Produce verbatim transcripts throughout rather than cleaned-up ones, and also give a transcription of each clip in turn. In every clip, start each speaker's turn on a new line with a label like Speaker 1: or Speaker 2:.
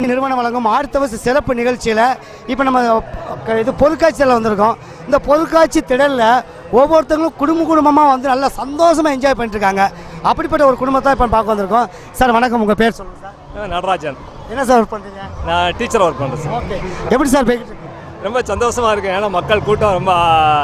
Speaker 1: நிறுவனம் வழங்கும் ஆர்த்தவஸ் சிறப்பு நிகழ்ச்சியில் இப்போ நம்ம இது பொருட்காட்சியில் வந்திருக்கோம். இந்த பொருட்காட்சி திடலில் ஒவ்வொருத்தங்களும் குடும்ப குடும்பமாக வந்து நல்லா சந்தோஷமாக என்ஜாய் பண்ணிட்டுருக்காங்க. அப்படிப்பட்ட ஒரு குடும்பத்தை இப்போ பார்க்க வந்திருக்கோம். சார் வணக்கம், உங்கள் பேர் சொல்லுங்கள் சார்.
Speaker 2: நடராஜன்.
Speaker 1: என்ன சார் ஒர்க் பண்ணுறீங்க?
Speaker 2: நான் டீச்சர் ஒர்க் பண்ணுறேன் சார்.
Speaker 1: ஓகே, எப்படி சார் போய்கிட்டு இருக்கு?
Speaker 2: ரொம்ப சந்தோஷமாக இருக்குது. ஏன்னா மக்கள் கூட்டம் ரொம்ப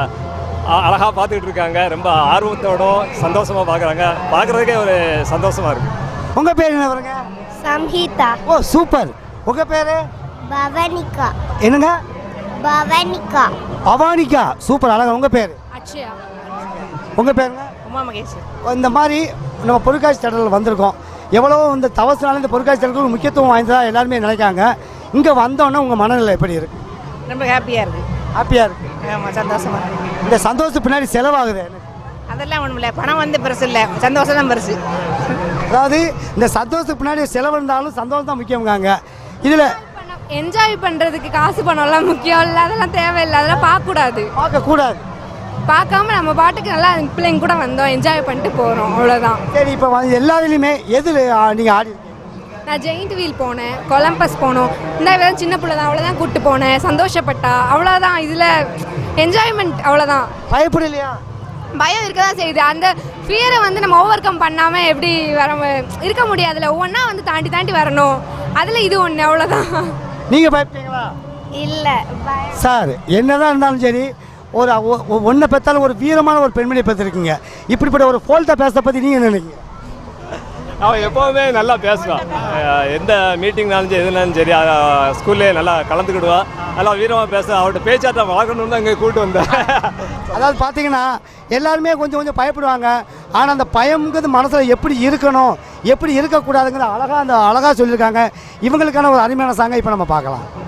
Speaker 2: அழகாக பார்த்துக்கிட்டு இருக்காங்க. ரொம்ப ஆர்வத்தோடும் சந்தோஷமாக பார்க்குறாங்க. பார்க்குறதுக்கே ஒரு சந்தோஷமாக இருக்குது.
Speaker 1: உங்கள் பேர் என்ன வருங்க?
Speaker 3: சம்ஹிதா.
Speaker 1: Oh super. உங்கள் பேர்?
Speaker 3: பவனிகா.
Speaker 1: என்னங்க?
Speaker 3: பவனிகா.
Speaker 1: பவானிகா. சூப்பர், அழகா. உங்கள் பேர்?
Speaker 3: அக்ஷயா.
Speaker 1: உங்கள் பேருங்க?
Speaker 4: உமா மகேஷ்.
Speaker 1: இந்த மாதிரி நம்ம பொருட்காட்சி திடலில் வந்திருக்கோம். எவ்வளோ இந்த தவசினால இந்த பொருட்காட்சி திடலுக்கு முக்கியத்துவம் வாய்ந்ததாக எல்லாருமே நினைக்காங்க. இங்கே வந்தோன்னே உங்கள் மனநிலை எப்படி இருக்குது?
Speaker 4: ரொம்ப ஹாப்பியாக இருக்குது.
Speaker 1: ஹாப்பியாக இருக்குது.
Speaker 4: ஆமாம், சந்தோஷமாக இருக்குது.
Speaker 1: இந்த சந்தோஷம் பின்னாடி செலவாகுது எனக்கு.
Speaker 4: அதெல்லாம் ஒன்றும் இல்லை, பணம் வந்து பெருசு இல்லை, சந்தோஷம் தான் பெருசு.
Speaker 1: அதாவது இந்த சந்தோஷத்துக்கு பின்னாடி செலவு இருந்தாலும் சந்தோஷம் தான் முக்கியம்காங்க. இதில்
Speaker 5: என்ஜாய் பண்ணுறதுக்கு காசு பணம்லாம் முக்கியம் இல்லை, அதெல்லாம் தேவையில்லை, அதெல்லாம் பார்க்கக்கூடாது,
Speaker 1: பார்க்கக்கூடாது.
Speaker 5: பார்க்காம நம்ம பாட்டுக்கு நல்லா பிள்ளைங்க கூட வந்தோம், என்ஜாய் பண்ணிட்டு போகிறோம், அவ்வளோதான்.
Speaker 1: சரி, இப்போ எல்லாத்துலேயுமே எது நீங்கள் ஆடி?
Speaker 5: நான் ஜெயிண்ட் வீல் போனேன், கொலம்பஸ் போனோம். இந்த வித சின்ன பிள்ளை தான், அவ்வளோதான் கூப்பிட்டு போனேன், சந்தோஷப்பட்டா, அவ்வளோதான். இதில் என்ஜாய்மெண்ட் அவ்வளோதான்.
Speaker 1: பயப்படலையா?
Speaker 5: பயம் இருக்க தான் செய்யுது. அந்த ஃபியரை வந்து நம்ம ஓவர் கம் பண்ணாமல் எப்படி வர இருக்க முடியாதுல்ல, ஒவ்வொன்றா வந்து தாண்டி தாண்டி வரணும். அதில் இது ஒன்று, அவ்வளோதான்.
Speaker 1: நீங்கள் பயப்பட்டீங்களா?
Speaker 3: இல்லை.
Speaker 1: சார், என்னதான் இருந்தாலும் சரி, ஒரு ஒன்றை பெற்றாலும் ஒரு வீரமான ஒரு பெண்மணியை பெற்றிருக்கீங்க. இப்படிப்பட்ட ஒரு ஃபோல்ட்டை பேசுறத பற்றி நீங்கள் நினைக்கிறீங்க?
Speaker 2: அவன் எப்போவுமே நல்லா பேசுவான். எந்த மீட்டிங்னாலும் சரி, எதுனாலும் சரி, ஸ்கூல்லே நல்லா கலந்துக்கிடுவான். நல்லா வீரமாக பேச. அவர்கிட்ட பேச்சாட்டம் வளர்க்கணுன்னு தான் இங்கே கூப்பிட்டு வந்தேன்.
Speaker 1: அதாவது பார்த்தீங்கன்னா எல்லாருமே கொஞ்சம் கொஞ்சம் பயப்படுவாங்க. ஆனால் அந்த பயம்ங்கிறது மனசில் எப்படி இருக்கணும், எப்படி இருக்கக்கூடாதுங்கிற அழகாக அந்த அழகாக சொல்லியிருக்காங்க. இவங்களுக்கான ஒரு அருமையான சாங்கை இப்போ நம்ம பார்க்கலாம்.